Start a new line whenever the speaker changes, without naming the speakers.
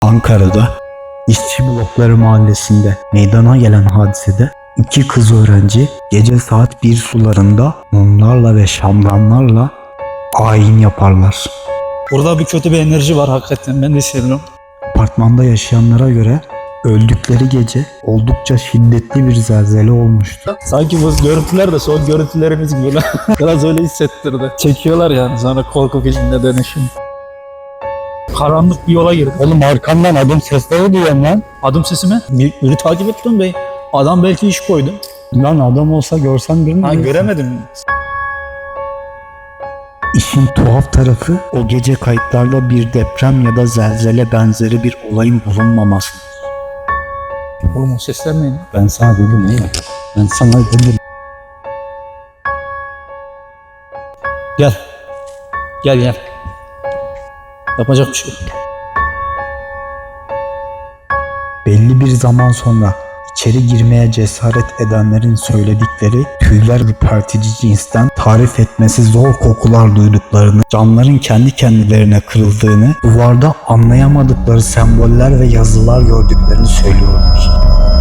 Ankara'da İşçi Blokları Mahallesi'nde meydana gelen hadisede iki kız öğrenci gece saat 1 sularında mumlarla ve şamdanlarla ayin yaparlar.
Burada bir kötü bir enerji var hakikaten, ben de hissediyorum.
Apartmanda yaşayanlara göre öldükleri gece oldukça şiddetli bir zelzele olmuştu.
Sanki bu görüntüler de son görüntülerimiz gibi lan. Biraz öyle hissettirdi. Çekiyorlar yani sonra korku filmine dönüşüm. Karanlık bir yola girdik.
Oğlum arkamdan adım sesleri duyuyorum lan.
Adım sesi mi? Biri takip ettim bey. Adam belki iş koydu.
Lan adam olsa görsen birini
Ha,
görürsün.
göremedim.
İşin tuhaf tarafı o gece kayıtlarda bir deprem ya da zelzele benzeri bir olayın bulunmaması.
Oğlum o sesler neydi?
Ben sana dedim ya. Ben sana dedim.
Gel. Gel. Yapacak bir şey yok.
Belli bir zaman sonra içeri girmeye cesaret edenlerin söyledikleri tüyler ürpertici cinsten, tarif etmesi zor kokular duyduklarını, camların kendi kendilerine kırıldığını, duvarda anlayamadıkları semboller ve yazılar gördüklerini söylüyorlar.